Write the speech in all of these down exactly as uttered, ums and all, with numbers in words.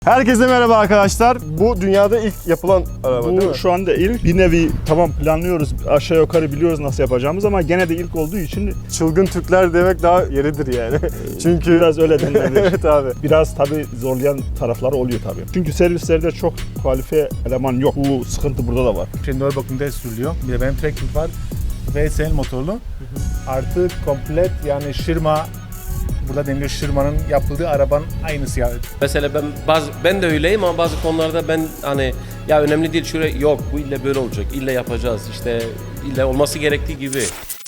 Herkese merhaba arkadaşlar. Bu dünyada ilk yapılan araba Bu değil mi? şu anda ilk bir nevi tamam planlıyoruz, aşağı yukarı biliyoruz nasıl yapacağımız ama gene de ilk olduğu için Çılgın Türkler demek daha yeridir yani. Çünkü biraz öyle denilebilir. evet abi. Biraz tabii zorlayan tarafları oluyor tabii. Çünkü servislerde çok kualifiye eleman yok. Bu sıkıntı burada da var. Şenol bakımda sürülüyor. Bir de benim trekking var. V S L motorlu. Artı komplet yani şırma, burada deniliyor şırmanın yapıldığı arabanın aynısı yani. Mesela ben bazı ben de öyleyim ama bazı konularda ben hani ya önemli değil şuraya yok bu ille böyle olacak ille yapacağız işte ille olması gerektiği gibi.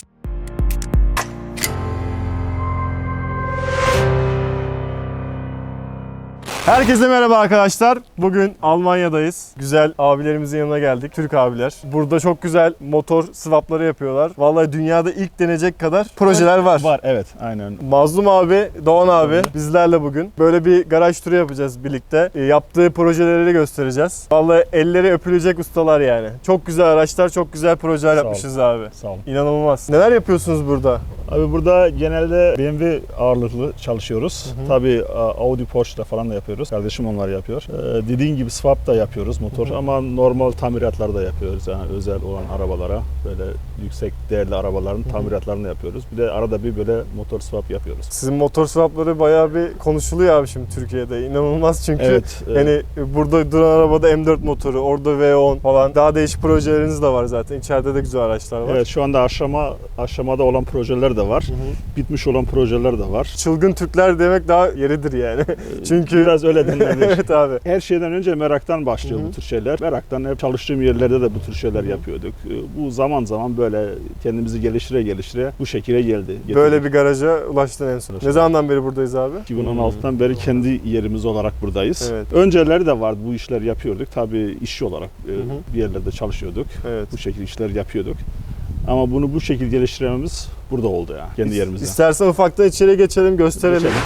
Herkese merhaba arkadaşlar. Bugün Almanya'dayız. Güzel abilerimizin yanına geldik. Türk abiler. Burada çok güzel motor swapları yapıyorlar. Vallahi dünyada ilk denecek kadar projeler var. Var evet aynen. Mazlum abi, Doğan abi bizlerle bugün böyle bir garaj turu yapacağız birlikte. E, yaptığı projeleri de göstereceğiz. Vallahi elleri öpülecek ustalar yani. Çok güzel araçlar, çok güzel projeler Sağ ol. yapmışız abi. Sağ olun. İnanılmaz. Neler yapıyorsunuz burada? Abi burada genelde B M W ağırlıklı çalışıyoruz. Hı hı. Tabii Audi, Porsche'da falan da yapıyoruz. Kardeşim onlar yapıyor. Ee, dediğin gibi swap da yapıyoruz motor Hı hı. ama normal tamiratlar da yapıyoruz. Yani özel olan arabalara böyle yüksek değerli arabaların Hı hı. tamiratlarını yapıyoruz. Bir de arada bir böyle motor swap yapıyoruz. Sizin motor swapları bayağı bir konuşuluyor abi şimdi Türkiye'de. İnanılmaz çünkü. Evet. e, Yani burada duran arabada M dört motoru, orada V on falan. Daha değişik projeleriniz de var zaten. İçeride de güzel araçlar var. Evet şu anda aşama aşamada olan projeler de var. Hı hı. Bitmiş olan projeler de var. Çılgın Türkler demek daha yeridir yani. Çünkü Biraz öyle denilebilir. evet abi. Her şeyden önce meraktan başlıyor Hı hı. bu tür şeyler. Meraktan hep çalıştığım yerlerde de bu tür şeyler Hı hı. yapıyorduk. Bu zaman zaman böyle kendimizi geliştire geliştire bu şekilde geldi. getirdik. Böyle bir garaja ulaştın en son. Ne zamandan beri buradayız abi? iki bin on altıdan beri kendi yerimiz olarak buradayız. Evet. Önceleri de vardı bu işler yapıyorduk. Tabii işçi olarak e, hı. bir yerlerde çalışıyorduk. Evet. Bu şekilde işler yapıyorduk. Ama bunu bu şekilde geliştirmemiz burada oldu ya. Kendi yerimizde. İstersen ufaktan içeri geçelim, gösterelim. Geçelim.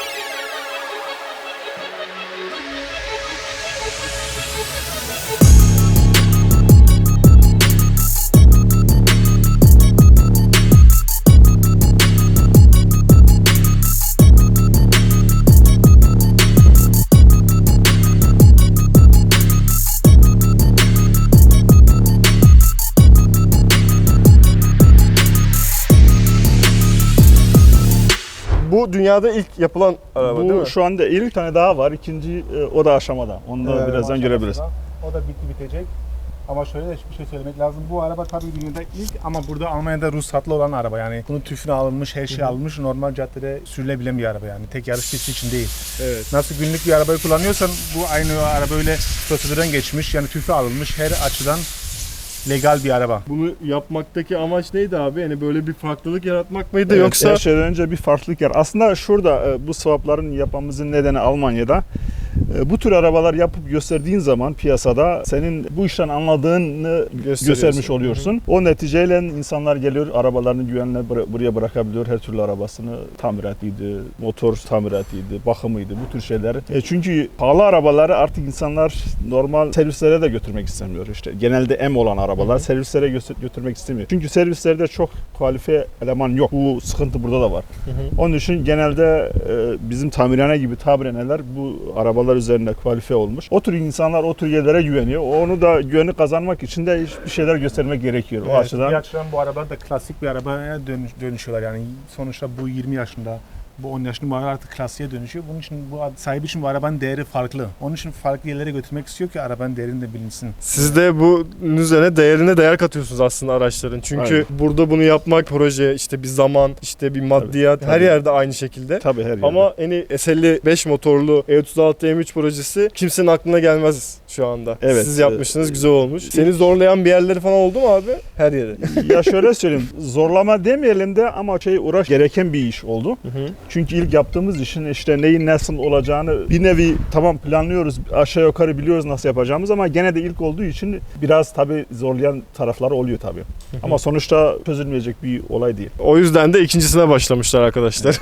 Bu dünyada ilk yapılan araba değil Bu mi? şu anda ilk tane daha var. İkinci e, o da aşamada. Onu da Evet, birazdan o görebiliriz. aşamasında. O da bitti bitecek. Ama şöyle de bir şey söylemek lazım. Bu araba tabii dünyada ilk ama burada Almanya'da ruhsatlı olan araba yani. Bunun tüfünü alınmış, her şey alınmış. Normal caddede sürülebilen bir araba yani. Tek yarış pisti için değil. Evet. Nasıl günlük bir arabayı kullanıyorsan bu aynı araba öyle prosedürden geçmiş. Yani tüfü alınmış her açıdan legal bir araba. Bunu yapmaktaki amaç neydi abi? Yani böyle bir farklılık yaratmak mıydı Evet, yoksa? her şeyden önce bir farklılık yer. Aslında şurada e, bu swapların yapmamızın nedeni Almanya'da. E, Bu tür arabalar yapıp gösterdiğin zaman piyasada senin bu işten anladığını göstermiş oluyorsun. O neticeyle insanlar geliyor, arabalarını güvenle bıra- buraya bırakabiliyor. Her türlü arabasını tamiratıydı, motor tamiratıydı, bakımıydı, bu tür şeyler. E, çünkü pahalı arabaları artık insanlar normal servislere de götürmek istemiyor. İşte genelde M olan arabalar servislere gö- götürmek istemiyor. Çünkü servislerde çok kualifiye eleman yok. Bu sıkıntı burada da var. Hı hı. Onun için genelde e, bizim tamirhane gibi tamirhaneler bu arabalar üzerinde kualifiye olmuş. O tür insanlar o tür yerlere güveniyor. Onu da güveni kazanmak için de bir şeyler göstermek gerekiyor. O Evet, açıdan bir açıdan bu arabalar da klasik bir arabaya dönüş, dönüşüyorlar yani sonuçta bu yirmi yaşında, bu on yaşında bu araba artık klasiğe dönüşüyor. Bunun için bu sahibi için bu arabanın değeri farklı. Onun için farklı yerlere götürmek istiyor ki arabanın değerini de bilinsin. Siz de bunun üzerine değerine değer katıyorsunuz aslında araçların. Çünkü Aynen. burada bunu yapmak proje, işte bir zaman, işte bir maddiyat Tabii, her tabii. yerde aynı şekilde. tabii her yerde. Ama hani S elli beş motorlu E otuz altı M üç projesi kimsenin aklına gelmez şu anda. Evet. Siz yapmışsınız, güzel olmuş. Seni zorlayan bir yerleri falan oldu mu abi? Her yere. ya şöyle söyleyeyim, zorlama demeyelim de ama şey uğraş gereken bir iş oldu. Hı hı. Çünkü ilk yaptığımız işin işte neyin nasıl olacağını bir nevi tamam planlıyoruz, aşağı yukarı biliyoruz nasıl yapacağımız ama gene de ilk olduğu için biraz tabii zorlayan tarafları oluyor tabii. Ama sonuçta çözülmeyecek bir olay değil. O yüzden de ikincisine başlamışlar arkadaşlar.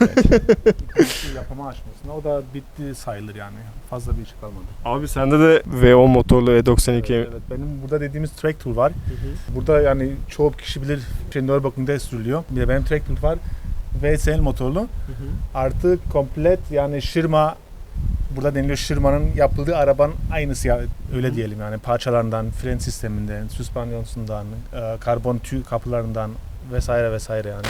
Yapama aşamasında o da bitti sayılır yani. Fazla bir iş kalmadı. Abi sende de V on motorlu E doksan iki. Evet, evet. Benim burada dediğimiz track tool var. Burada yani çoğu kişi bilir Şenol bakımda sürülüyor. Bir de benim track tool var. V S L motorlu. Artı komplet yani şırma burada deniliyor Şırman'ın yapıldığı arabanın aynısı ya, öyle diyelim yani parçalarından, fren sisteminden, süspanyonsundan, e, karbon tüy kapılarından vesaire vesaire yani.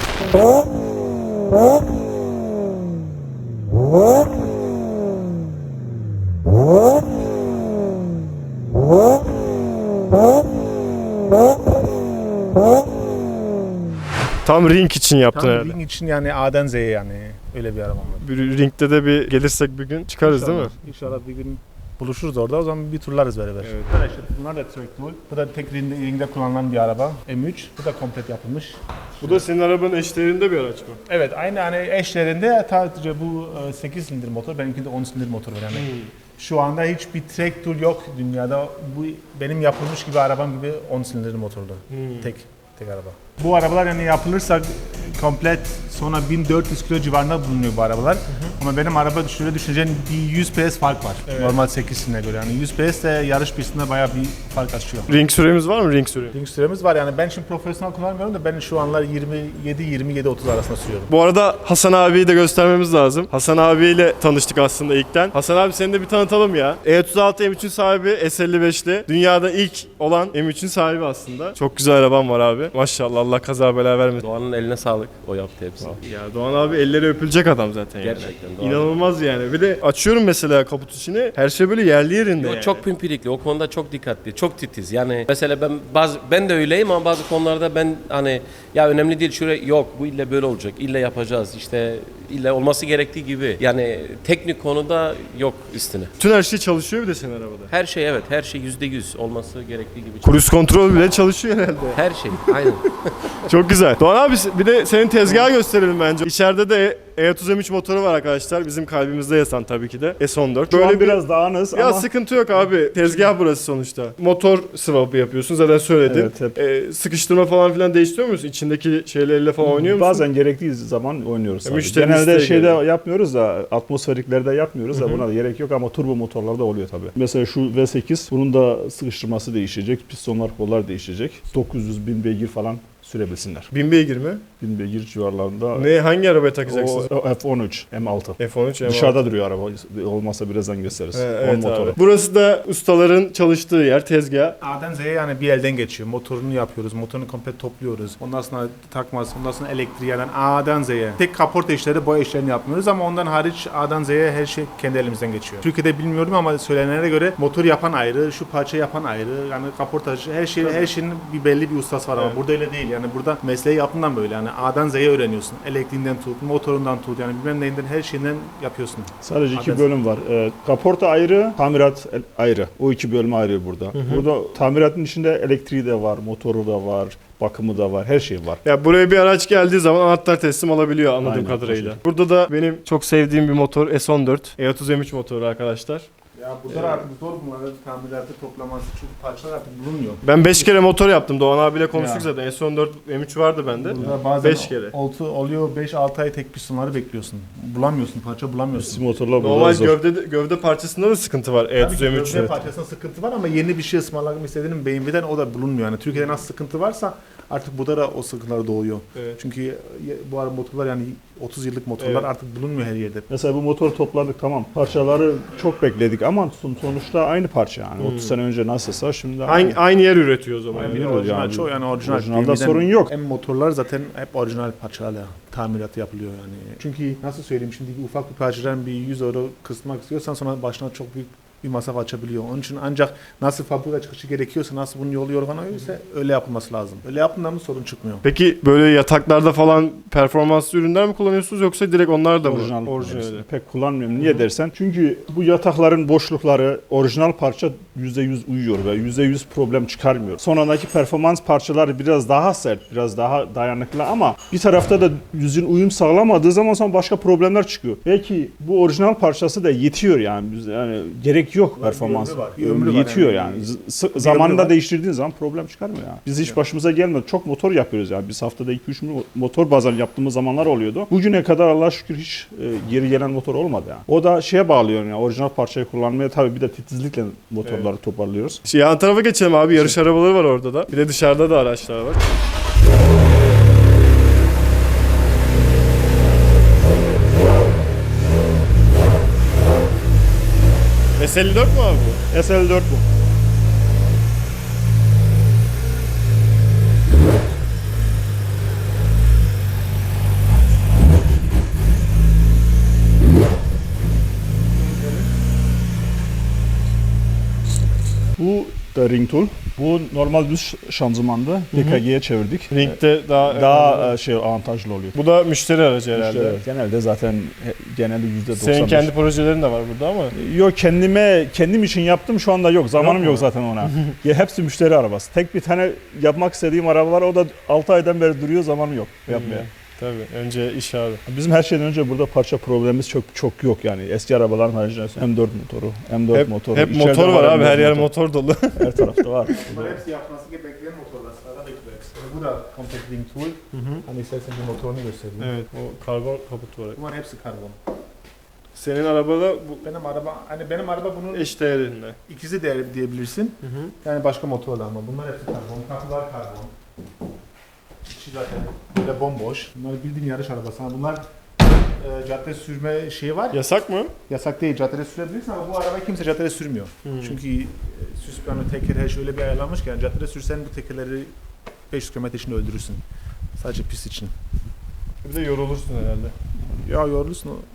Tam ring için yaptın Tam herhalde. ring için yani A'dan Z'ye yani öyle bir araba var. Bir ringde de bir gelirsek bir gün çıkarız değil mi? İnşallah bir gün buluşuruz orada, o zaman bir turlarız beraber. Evet. Arkadaşlar bunlar da track tool. Bu da tek ringde, ringde kullanılan bir araba. M üç. Bu da komplet yapılmış. Bu da senin arabanın eşlerinde bir araç mı? Evet, aynı hani eşlerinde sadece bu e, sekiz silindir motor, benimki de on silindir motor var yani. Şu anda hiçbir track tool yok dünyada. Bu benim yapılmış gibi arabam gibi on silindirli motorlu. Tek tek araba. Bu arabalar yani yapılırsa komplet sonra bin dört yüz kilo civarında bulunuyor bu arabalar. Hı hı. Ama benim araba şöyle düşüneceğin bir yüz PS fark var. Evet. Normal sekiz silindirine göre. Yani yüz PS de yarış pistinde bayağı bir fark açıyor. Ring süremiz var mı ring süre? Ring süremiz var yani ben şimdi profesyonel kullanmıyorum da ben şu anlar yirmi yedi yirmi yedi otuz arasında sürüyorum. Bu arada Hasan abiyi de göstermemiz lazım. Hasan abiyle tanıştık aslında ilkten. Hasan abi seni de bir tanıtalım ya. E otuz altı M üçün sahibi, S elli beşli. Dünyada ilk olan M üçün sahibi aslında. Çok güzel araban var abi. Maşallah, Allah kaza bela vermesin. Doğan'ın eline sağlık. O yaptı hepsini. Ya Doğan abi elleri öpülecek adam zaten yani. Gerçekten Doğan. İnanılmaz yani. Bir de açıyorum mesela kaput içini. Her şey böyle yerli yerinde Yo, yani. Çok pimpirikli. O konuda çok dikkatli. Çok titiz. Yani mesela ben bazı ben de öyleyim ama bazı konularda ben hani ya önemli değil şuraya yok bu ille böyle olacak. İlle yapacağız. İşte ille olması gerektiği gibi. Yani teknik konuda yok üstüne. Bütün her şey çalışıyor bir de senin arabada. Her şey evet. Her şey yüzde yüz olması gerektiği gibi. Cruise kontrol bile çalışıyor herhalde. Her şey. Aynen. Çok güzel. Doğan abi bir de senin tezgahı gösterelim bence. İçeride de E otuz M üç motoru var arkadaşlar. Bizim kalbimizde yatan tabii ki de S on dört. Böyle Böyle bir biraz dağınız ya ama sıkıntı yok abi. Tezgah burası sonuçta. Motor swap'ı yapıyorsun. Zaten söyledim. Evet, hep. Ee, sıkıştırma falan filan değiştiriyor musun? İçindeki şeylerle falan oynuyor musun? bazen gerektiği zaman oynuyoruz. tabii. müşteri Genelde isteği şeyde geliyor. yapmıyoruz da atmosferiklerde yapmıyoruz da buna da gerek yok ama turbo motorlarda oluyor tabii. Mesela şu V sekiz bunun da sıkıştırması değişecek. Pistonlar, kollar değişecek. dokuz yüz bin beygir falan sürebilsinler. bin beygir mi? bin beygir civarlarında. Ne hangi arabaya takacaksınız? O, o F on üç M altı. F on üç M altı. Dışarıda duruyor araba. Olmazsa birazdan gösteririz. He, On evet motoru. abi. Burası da ustaların çalıştığı yer, tezgah. A'dan Z'ye yani bir elden geçiyor. Motorunu yapıyoruz, motorunu komple topluyoruz. Ondan sonra takması, ondan sonra elektriği yani A'dan Z'ye. Tek kaporta işleri, boya işlerini yapmıyoruz ama ondan hariç A'dan Z'ye her şey kendi elimizden geçiyor. Türkiye'de bilmiyorum ama söylenenlere göre motor yapan ayrı, şu parça yapan ayrı. Yani kaportacı her şey her şeyin bir belli bir ustası var ama Evet. burada öyle değil. Yani burada mesleği yaptığından böyle yani A'dan Z'ye öğreniyorsun. Elektriğinden tut, motorundan tut yani bilmem neyinden her şeyinden yapıyorsun. Sadece iki Adres. bölüm var. Ee, kaporta ayrı, tamirat ayrı. O iki bölüm ayrı burada. Burada tamiratın içinde elektriği de var, motoru da var, bakımı da var, her şey var. Ya buraya bir araç geldiği zaman anahtar teslim alabiliyor anladığım Aynen, kadarıyla. o şey. Burada da benim çok sevdiğim bir motor S on dört. E otuz M üç motoru arkadaşlar. Ya burada artık zor bunları tamiratı toplaması çünkü parçalar artık bulunmuyor. Ben beş kere motor yaptım. Doğan abiyle konuştuk Ya. zaten. S on dört M üç vardı bende. Burada bazen beş kere. Oltu oluyor beş altı ay tek pistonları bekliyorsun. Bulamıyorsun, parça Bizim bulamıyorsun. motorlar burada Normal zor. gövde gövde parçasında da sıkıntı var E otuz Tabii M ki üçün. gövde parçasında sıkıntı var ama yeni bir şey ısmarlamak istediğinin B M W'den o da bulunmuyor. Yani Türkiye'de nasıl sıkıntı varsa artık burada da o sıkıntılar doğuyor. Evet. Çünkü bu araba motorlar yani otuz yıllık motorlar Evet. artık bulunmuyor her yerde. Mesela bu motor topladık tamam. Parçaları çok bekledik ama son- sonuçta aynı parça yani. otuz sene önce nasılsa şimdi Aynı, aynı yer üretiyor o zaman. Aynen. Yani. Bir öyle orijinal yani. çoğu yani orijinal. Orijinalde B M W'den sorun yok. Hem motorlar zaten hep orijinal parçalarla tamiratı yapılıyor yani. Çünkü nasıl söyleyeyim şimdi bir ufak bir parçadan bir yüz euro kısmak istiyorsan sonra başına çok büyük bir masraf açabiliyor. Onun için ancak nasıl fabrika çıkışı gerekiyorsa, nasıl bunun yolu yorgana ise öyle yapılması lazım. Öyle yaptığında mı sorun çıkmıyor. Peki böyle yataklarda falan performanslı ürünler mi kullanıyorsunuz yoksa direkt onlar da mı? orijinal. Orijinali. Pek kullanmıyorum. Niye dersen? Çünkü bu yatakların boşlukları orijinal parça yüzde yüz uyuyor ve yüzde yüz problem çıkarmıyor. Sonraki performans parçaları biraz daha sert, biraz daha dayanıklı ama bir tarafta da yüzün uyum sağlamadığı zaman sonra başka problemler çıkıyor. Belki bu orijinal parçası da yetiyor yani. Biz- Yani gerek yok performans. ömrü var, bir ömrü var Yetiyor yani. yani. Z- zamanında var. değiştirdiğin zaman problem çıkarmıyor yani. Biz hiç başımıza gelmedi. Çok motor yapıyoruz yani. Biz haftada iki üç motor bazen yaptığımız zamanlar oluyordu. Bugüne kadar Allah'a şükür hiç e, geri gelen motor olmadı yani. O da şeye bağlıyor yani. Orijinal parçayı kullanmaya tabii bir de titizlikle motorları toparlıyoruz. Şey, yan tarafa geçelim abi. Yarış arabaları var orada da. Bir de dışarıda da araçlar var. S elli dört mu abi bu? S elli dört bu. Bu da ring tool. Bu normal düz şanzımandı. D K G'ye çevirdik. Ringde daha Daha e, şey avantajlı oluyor. Bu da müşteri aracı herhalde. İşte genelde zaten he- genelde yüzde doksan beş. Senin kendi projelerin de var burada ama. Yok kendime kendim için yaptım şu anda yok. Zamanım Yok yok, mu? zaten ona. Ya hepsi müşteri arabası. Tek bir tane yapmak istediğim araba var. O da altı aydan beri duruyor. Zamanım yok yapmaya. Tabii önce iş abi. Bizim her şeyden önce burada parça problemimiz çok çok yok yani. Eski arabaların haricinde M dört motoru, M dört Hep, motoru. hep içeride motor var abi, M dört her yer motor. motor dolu. Her tarafta var. Bunlar hepsi yapması bekleyen motorlar. Sırada bekliyor hepsi. Bu da Compact Ring Tool. Hani istersen bir motorunu göstereyim. Evet, o karbon kaput var. Bunlar hepsi karbon. Senin arabada bu Benim araba, hani benim araba bunun eş değerinde. ikizi değeri diyebilirsin. Yani başka motorla ama bunlar hepsi karbon. Kapılar karbon. İçi zaten böyle bomboş. Bunlar bildiğin yarış arabası. Hani bunlar e, cadde sürme şeyi var. Yasak mı? Yasak değil, caddede sürebilirsin ama bu araba kimse caddede sürmüyor. Çünkü e, süspanı, teker her şey öyle bir ayarlanmış ki yani caddede sürsen bu tekerleri beş yüz kilometre içinde öldürürsün. Sadece pist için. Bir de yorulursun herhalde. Ya yorulursun o.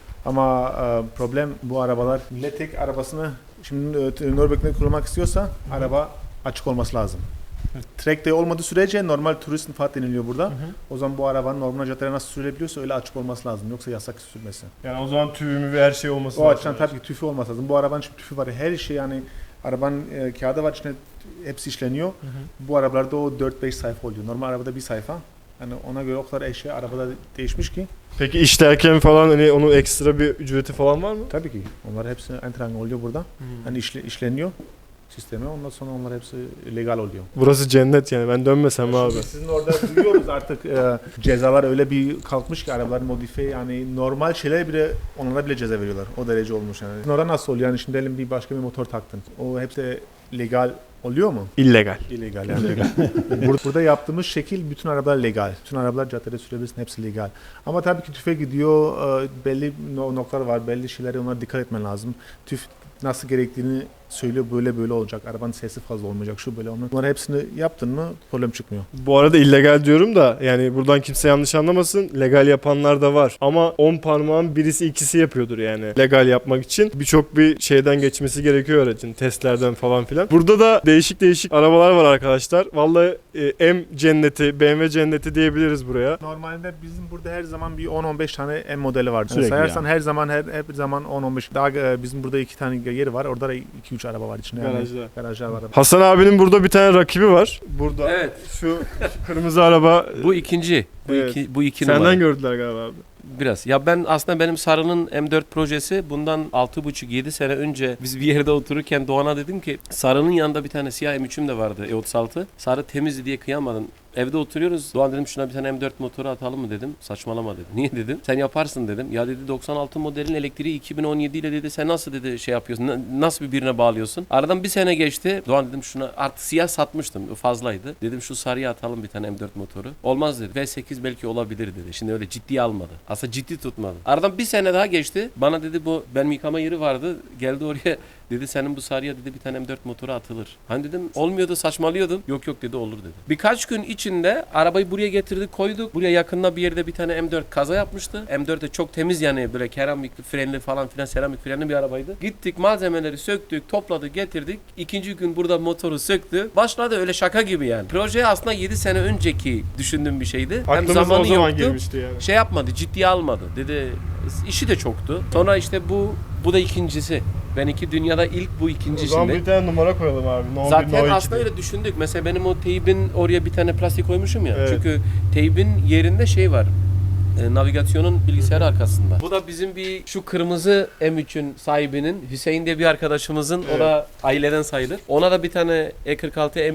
Ama e, problem bu arabalar. Millet tek arabasını şimdi e, Nürburgring'de kullanmak istiyorsa araba açık olması lazım. Track day olmadığı sürece normal turist nüfus deniliyor burada. O zaman bu arabanın normal caddede nasıl sürülebiliyorsa öyle açık olması lazım. Yoksa yasak sürmesi. Yani o zaman tüyümü ve her şey olması O lazım. açıdan tabii ki tüfü olması lazım. Bu arabanın şimdi tüfü var. Her şey yani arabanın e, kağıdı var içinde hepsi işleniyor. Bu arabalarda o dört beş sayfa oluyor. Normal arabada bir sayfa. Yani ona göre o kadar eşya arabada değişmiş ki. Peki işlerken falan hani onun ekstra bir ücreti falan var mı? Tabii ki. Onlar hepsi entrang oluyor burada. Hani işle, işleniyor sisteme. Ondan sonra onlar hepsi legal oluyor. Burası cennet yani, ben dönmesem abi. Şimdi sizin orada duyuyoruz artık e, cezalar öyle bir kalkmış ki arabalar modifiye yani normal şeyler bile onlara bile ceza veriyorlar. O derece olmuş yani. Sizin orada nasıl oluyor? Yani şimdi diyelim bir başka bir motor taktın. O hepsi legal oluyor mu? İllegal. İllegal yani. Bur- Burada yaptığımız şekil bütün arabalar legal. Bütün arabalar caddede sürebilirsin hepsi legal. Ama tabii ki tüfe gidiyor. e, Belli no- noktalar var. Belli şeylere onlara dikkat etmen lazım. Tüf nasıl gerektiğini söylüyor, böyle böyle olacak. Arabanın sesi fazla olmayacak. Şu böyle olmayacak. Bunları hepsini yaptın mı problem çıkmıyor. Bu arada illegal diyorum da yani buradan kimse yanlış anlamasın. Legal yapanlar da var. Ama on parmağın birisi ikisi yapıyordur yani. Legal yapmak için birçok bir şeyden geçmesi gerekiyor aracın. Testlerden falan filan. Burada da değişik değişik arabalar var arkadaşlar. Vallahi e, M cenneti, B M W cenneti diyebiliriz buraya. Normalde bizim burada her zaman bir on on beş tane M modeli var. Yani Sürekli sayarsan yani. her zaman her, her zaman on on beş. Daha e, bizim burada iki tane yeri var. Orada da iki üç araba var içinde. Yani. Garajda. Garajlar var. Hasan abinin burada bir tane rakibi var. Burada. Evet. Şu, şu kırmızı araba. Bu ikinci. Bu Evet. iki, bu iki Senden numara. gördüler galiba abi. Biraz. Ya ben aslında benim Sarı'nın M dört projesi bundan altı buçuk yedi sene önce biz bir yerde otururken Doğan'a dedim ki Sarı'nın yanında bir tane siyah M üç'üm de vardı E otuz altı. Sarı temizdi diye kıyamadım. Evde oturuyoruz. Doğan dedim şuna bir tane M dört motoru atalım mı dedim. Saçmalama dedi. Niye dedim. Sen yaparsın dedim. Ya dedi doksan altı modelin elektriği iki bin on yedi ile dedi sen nasıl dedi şey yapıyorsun. Na- Nasıl bir birine bağlıyorsun. Aradan bir sene geçti. Doğan dedim şuna artık siyah satmıştım. Fazlaydı. Dedim şu sarıya atalım bir tane M dört motoru. Olmaz dedi. V sekiz belki olabilir dedi. Şimdi öyle ciddiye almadı. Aslında ciddi tutmadı. Aradan bir sene daha geçti. Bana dedi bu benim yıkama yeri vardı. Geldi oraya dedi senin bu sarıya dedi bir tane M dört motoru atılır. Hani dedim olmuyordu saçmalıyordun. Yok yok dedi olur dedi. Birkaç gün içinde arabayı buraya getirdik koyduk. Buraya yakında bir yerde bir tane M dört kaza yapmıştı. M dört de çok temiz yani böyle keramik frenli falan filan seramik frenli bir arabaydı. Gittik malzemeleri söktük topladık getirdik. İkinci gün burada motoru söktü. Başladı öyle şaka gibi yani. Proje aslında yedi sene önceki düşündüğüm bir şeydi. Hem Aklımıza zamanı o zaman yoktu. girmişti yani. Şey yapmadı, ciddiye almadı. Dedi işi de çoktu. Sonra işte bu bu da ikincisi. Ben iki dünyada ilk bu O zaman ikincisinde. bir tane numara koyalım abi. No bir, Zaten no iki aslında diye. öyle düşündük. Mesela benim o teybin oraya bir tane plastik koymuşum ya. Evet. Çünkü teybin yerinde şey var. E, navigasyonun bilgisayarı arkasında. Bu da bizim bir şu kırmızı M üçün sahibinin Hüseyin diye bir arkadaşımızın Evet. o da aileden sayılır. Ona da bir tane E kırk altı M üç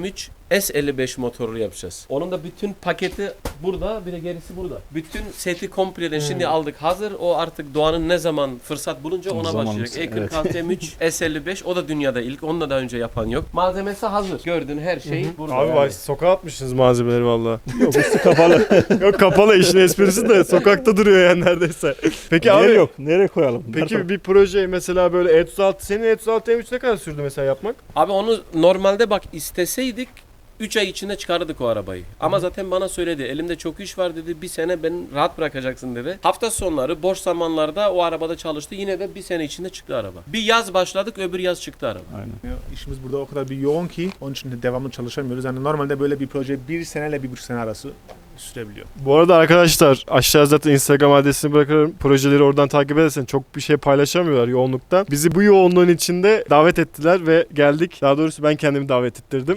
S elli beş motorlu yapacağız. Onun da bütün paketi burada, bir de gerisi burada. Bütün seti kompleden şimdi aldık hazır. O artık Doğan'ın ne zaman fırsat bulunca ona Zamanımız, başlayacak. E evet. kırk altı M üç S elli beş o da dünyada ilk. Onu da daha önce yapan yok. Malzemesi hazır. Gördüğün her şey burada. Abi yani. vay sokağa atmışsınız malzemeleri valla. Yok üstü kapalı. Yok kapalı işin esprisi de sokakta duruyor yani neredeyse. Peki Yer abi yok. Nereye koyalım? peki bir proje mesela böyle E otuz altı senin E otuz altı M üç ne kadar sürdü mesela yapmak? Abi onu normalde bak isteseydik üç ay içinde çıkardık o arabayı. Ama zaten bana söyledi. Elimde çok iş var dedi. Bir sene beni rahat bırakacaksın dedi. Hafta sonları boş zamanlarda o arabada çalıştı. Yine de bir sene içinde çıktı araba. Bir yaz başladık, öbür yaz çıktı araba. Aynen. İşimiz burada o kadar bir yoğun ki onun için de devamlı çalışamıyoruz. Yani normalde böyle bir proje bir seneyle bir buçuk sene arası sürebiliyor. Bu arada arkadaşlar aşağı zaten Instagram adresini bırakırım. Projeleri oradan takip edersen çok bir şey paylaşamıyorlar yoğunluktan. Bizi bu yoğunluğun içinde davet ettiler ve geldik. Daha doğrusu ben kendimi davet ettirdim.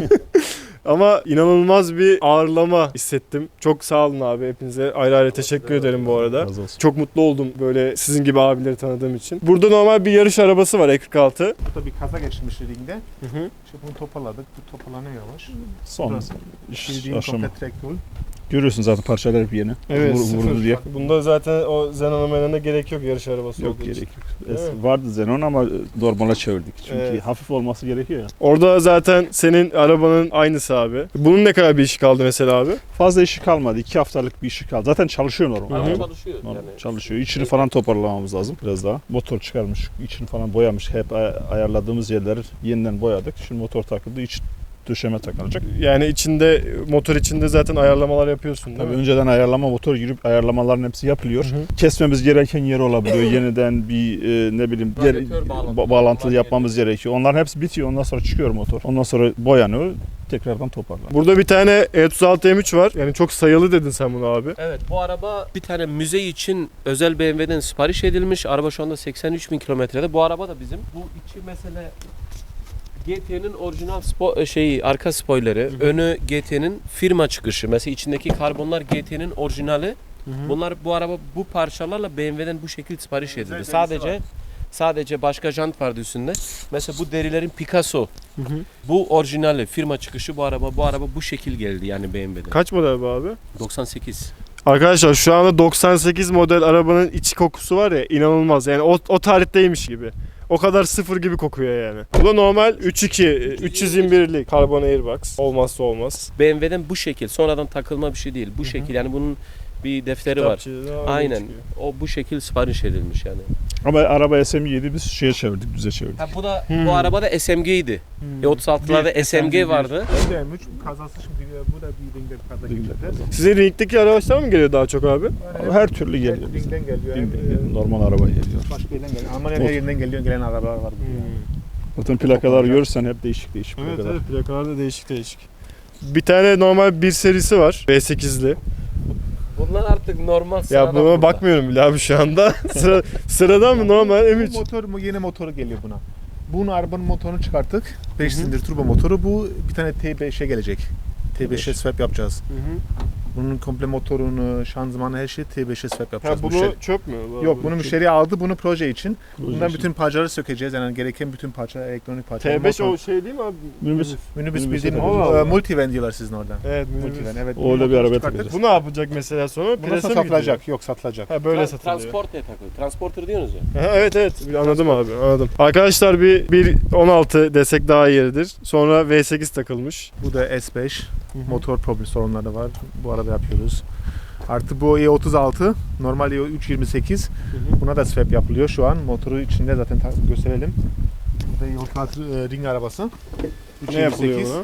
Ama inanılmaz bir ağırlama hissettim. Çok sağ olun abi hepinize. Ayrı ayrı teşekkür ederim bu arada. Razı olsun. Çok mutlu oldum böyle sizin gibi abileri tanıdığım için. Burada normal bir yarış arabası var E kırk altı. Burada bir kaza geçirmiş ringde. Hı hı. İşte bunu toparladık. Bu toparlanıyor yavaş. Son Burası. iş Bildiğin aşama. komple track tool. Görüyorsun zaten parçalar hep yeni. Evet, Vur- sıfır. vurdu diye. Bunda zaten o Zenon'a menene gerek yok yarış arabası Yok olduğu gerek için. yok. Değil Es- mi? vardı Xenon ama normala çevirdik. Çünkü Evet. hafif olması gerekiyor ya. Orada zaten senin arabanın aynısı abi. Bunun ne kadar bir işi kaldı mesela abi? Fazla işi kalmadı. iki haftalık bir işi kaldı. Zaten çalışıyor normal. Araba Hı. çalışıyor. Normal Yani. çalışıyor. İçini falan toparlamamız lazım biraz daha. Motor çıkarmış, içini falan boyamış. Hep ay- ayarladığımız yerleri yeniden boyadık. Şimdi motor takıldı, iç döşeme takılacak. Yani içinde motor içinde zaten ayarlamalar yapıyorsun değil Tabii mi? önceden ayarlama motor girip ayarlamaların hepsi yapılıyor. Hı hı. Kesmemiz gereken yer olabiliyor. Yeniden bir e, ne bileyim diğer Radyatör bağlantı. ba- bağlantılı yapmamız gerekiyor. Onların hepsi bitiyor. Ondan sonra çıkıyor motor. Ondan sonra boyanıyor. Tekrardan toparlanıyor. Burada bir tane E otuz altı M üç var. Yani çok sayılı dedin sen bunu abi. Evet bu araba bir tane müze için özel B M W'den sipariş edilmiş. Araba şu anda seksen üç bin kilometrede. Bu araba da bizim. Bu içi mesela G T'nin orijinal spo- şeyi arka spoilerı, önü G T'nin firma çıkışı. Mesela içindeki karbonlar G T'nin orijinali. Bunlar bu araba bu parçalarla B M W'den bu şekilde sipariş edildi. derisi Sadece var. sadece başka jant vardı üstünde. Mesela bu derilerin Picasso. Bu orijinali firma çıkışı bu araba. Bu araba bu şekil geldi yani B M W'den. Kaç model bu abi? doksan sekiz. Arkadaşlar şu anda doksan sekiz model arabanın içi kokusu var ya inanılmaz. Yani o, o tarihteymiş gibi. O kadar sıfır gibi kokuyor yani. Bu da normal üç iki üç yüz yirmi birlik karbon airbox. Olmazsa olmaz. B M W'den bu şekil. Sonradan takılma bir şey değil. Bu şekil yani bunun bir defteri var. Kitapçıda öyle Aynen. çıkıyor. O bu şekil sipariş edilmiş yani. Ama araba S M yedi biz şeye çevirdik, düze çevirdik. Ha bu da Hmm. bu arabada S M G'ydi. E otuz altılarda S M G vardı. Bu da M üç kazası şimdi bu da bir ringde bir kaza Ringde geçirdi. kaza. Sizin ringdeki araçlar mı geliyor daha çok abi? Yani Her türlü hem geliyor. Ringden geliyor. hem, Ringden e, geliyor, normal araba geliyor. Başka yerden geliyor. Almanya'nın her yerinden geliyor gelen arabalar var. Zaten plakaları görürsen hep değişik değişik Evet plakalar. evet plakalar da değişik değişik. Bir tane normal bir serisi var V sekizli. Bunlar artık normal Ya sıradan buna burada. bakmıyorum bile abi şu anda. Sıra, sıradan mı normal M üç? Bu motor mu yeni motoru geliyor buna. Bunun arabanın motorunu çıkarttık. beş silindir turbo motoru. Bu bir tane T beşe gelecek. T beşe swap yapacağız. Bunun komple motorunu, şanzımanı her şeyi T beşe swap Ha yapacağız. bunu Müşteri- çöp mü? Yok bunu müşteri aldı bunu proje için. Proje Bundan için. bütün parçaları sökeceğiz. Yani gereken bütün parça, elektronik parça. T beş motor- o şey değil mi abi? Minibüs. Minibüs minibüs bildiğin Allah Allah. e, multivan diyorlar sizin orada. Evet minibüs. Multivan evet. Öyle Bunu bir motoru arabaya çıkarttık. takacağız. Bu ne yapacak mesela sonra? Bundan Prese sonra mi satılacak. Yok satılacak. gidiyor? Ha böyle Tra- satılıyor. Transporter takıyor. Transporter diyorsunuz ya. Ha, evet evet anladım abi anladım. Arkadaşlar bir, bir on altı desek daha yeridir. Sonra V sekiz takılmış. Bu da S beş. Motor problem sorunları var. Bu arada yapıyoruz. Artı bu E otuz altı. Normal E üç yirmi sekiz. Buna da swap yapılıyor şu an. Motoru içinde zaten ta- gösterelim. Bu da E otuz altı e, ring arabası. Ne yapılıyor buna?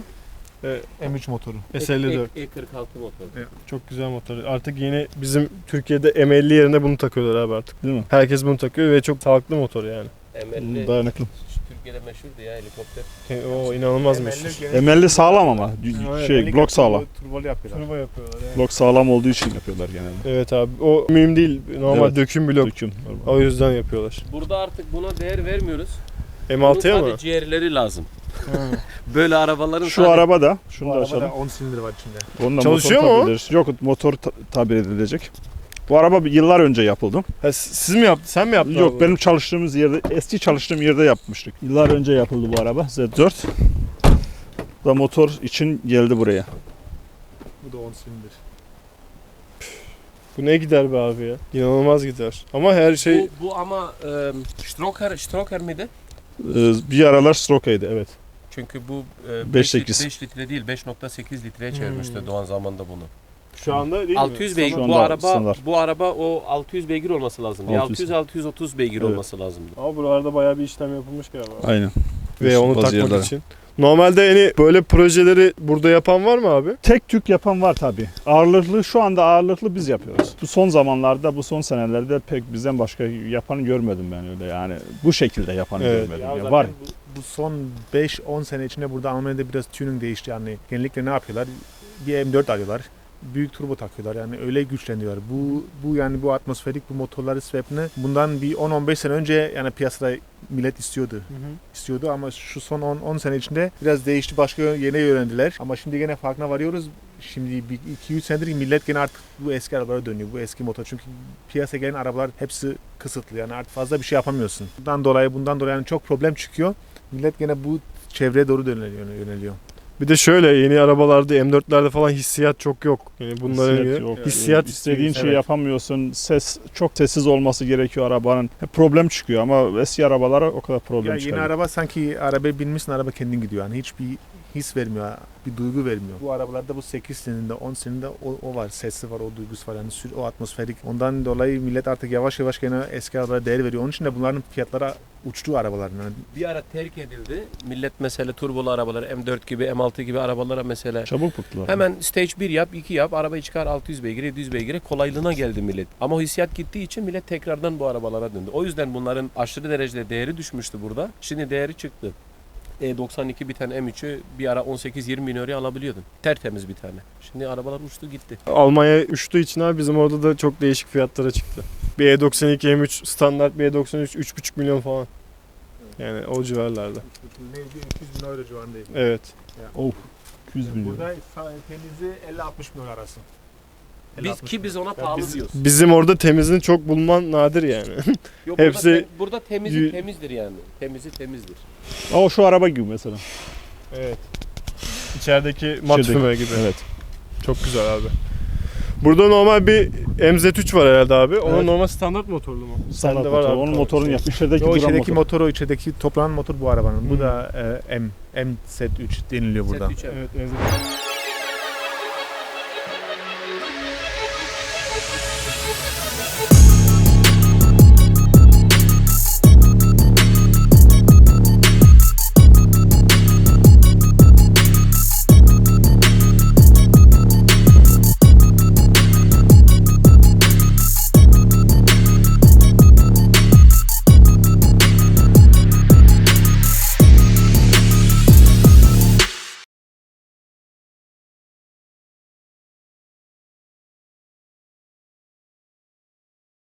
M üç motoru. S elli dört. E kırk altı motor. Çok güzel motor. Artık yeni bizim Türkiye'de M elli yerine bunu takıyorlar abi artık. Değil mi? Herkes bunu takıyor ve çok sağlıklı motor yani. M elli Dayanıklı. Türkiye'de meşhurdu ya helikopter. O inanılmazmış. M elli sağlam ama. Evet, Şey blok sağlam. Turbolu yapıyorlar. Turbo yapıyorlar yani. Blok sağlam olduğu için yapıyorlar genelde. Evet abi o mühim değil. Normal Evet. döküm blok. Döküm. O yüzden yapıyorlar. Burada artık buna değer vermiyoruz. M altıya Bunun mı? sadece ciğerleri lazım. Böyle arabaların Şu sadece- araba da, şunu Bu da arabada açalım. on silindir var içinde. Onunla Çalışıyor motor mu o? tabir ederiz. Yok motor ta- tabir edilecek. Bu araba bir- yıllar önce yapıldı. Ha, s- siz mi yaptın? Sen mi yaptın? Yok abi? benim çalıştığımız yerde, eski çalıştığım yerde yapmıştık. Yıllar önce yapıldı bu araba Z dört. Bu da motor için geldi buraya. Bu da on silindir. Bu ne gider be abi ya? İnanılmaz gider. Ama her şey Bu, bu ama e, Stroker, Stroker miydi? Ee, bir aralar Stroka'ydı, evet. Çünkü bu e, beş 5 sekiz. litre değil beş nokta sekiz litreye çevirmişti Hmm. Doğan zamanında bunu. şu anda değil mi? altı yüz beygir Şu bu anda araba standart. bu araba o altı yüz beygir olması lazım. altı yüz. altı yüz altı yüz otuz beygir Evet. olması lazımdı. Ama buralarda bayağı bir işlem yapılmış galiba. Aynen. Ve onu Bazı takmak yerlere. için. Normalde hani böyle projeleri burada yapan var mı abi? Tek tük yapan var tabii. Ağırlıklı, şu anda ağırlıklı biz yapıyoruz. Bu son zamanlarda, bu son senelerde pek bizden başka yapanı görmedim ben öyle yani. Bu şekilde yapanı Evet. görmedim. Ya Ya zaten var. Bu, bu son beş on sene içinde burada Almanya'da biraz tuning değişti yani. Genellikle ne yapıyorlar? Bir M dört alıyorlar. Büyük turbo takıyorlar yani öyle güçleniyorlar. Bu bu yani bu atmosferik bu motorları swap'ını bundan bir on on beş sene önce yani piyasada millet istiyordu. istiyordu ama şu son on on sene içinde biraz değişti, başka yeni öğrendiler. Ama şimdi gene farkına varıyoruz. Şimdi bir iki üç senedir millet gene artık bu eski arabalara dönüyor. Bu eski motor. Çünkü piyasaya gelen arabalar hepsi kısıtlı. Yani artık fazla bir şey yapamıyorsun. Bundan dolayı bundan dolayı yani çok problem çıkıyor. Millet gene bu çevreye doğru yöneliyor. yöneliyor. Bir de şöyle yeni arabalarda M dörtlerde falan hissiyat çok yok. Yani bunların Hissiyat gibi. yok. Hissiyat İstediğin istiyor. şeyi Evet. yapamıyorsun. Ses çok sessiz olması gerekiyor arabanın. Hep problem çıkıyor ama eski arabalara o kadar problem Ya yeni çıkıyor. araba sanki arabaya binmişsin, araba kendin gidiyor. Yani hiçbir his vermiyor, bir duygu vermiyor. Bu arabalarda bu sekiz silindirde, on silindirde o, o var, sesi var, o duygusu var. Yani sür- o atmosferik. Ondan dolayı millet artık yavaş yavaş gene eski arabalara değer veriyor. Onun için de bunların fiyatlara uçtu arabaların. Yani Bir ara terk edildi. Millet mesela turbolu arabaları M dört gibi M altı gibi arabalara mesela Çabuk bıktılar. hemen stage bir yap, iki yap, arabayı çıkar altı yüz beygire, yedi yüz beygire kolaylığına geldi millet. Ama o hissiyat gittiği için millet tekrardan bu arabalara döndü. O yüzden bunların aşırı derecede değeri düşmüştü burada. Şimdi değeri çıktı. E doksan iki bir tane M üçü bir ara on sekiz yirmi bin euroya alabiliyordun. Tertemiz bir tane. Şimdi arabalar uçtu gitti. Almanya uçtuğu için abi bizim orada da çok değişik fiyatlara çıktı. Bir E doksan iki M üç standart, bir E doksan üç üç buçuk milyon falan. Yani o civarlarda. neydi? iki yüz bin euro civarındaydı. Evet. Of. iki yüz milyon. Burada temizi elli altmış milyon arası. Biz ki biz ona pahalı biz- diyoruz. Bizim orada temizini çok bulman nadir yani. Yok, hepsi- burada, tem- burada temizi y- temizdir yani. Temizi temizdir. Ama şu araba gibi mesela. Evet. İçerideki mat İçerideki- füme gibi. Evet. Çok güzel abi. Burada normal bir M Z üç var herhalde abi. Onun Evet. normal standart motorlu mu? Standart Sende var motor. abi, Onun tamam. motorun yap. İçerideki O duran içerideki motor. motor, o içerideki toplanan motor bu arabanın. Hmm. Bu da e, M, M Z üç deniliyor burada. Set üç M. Evet, M Z üç.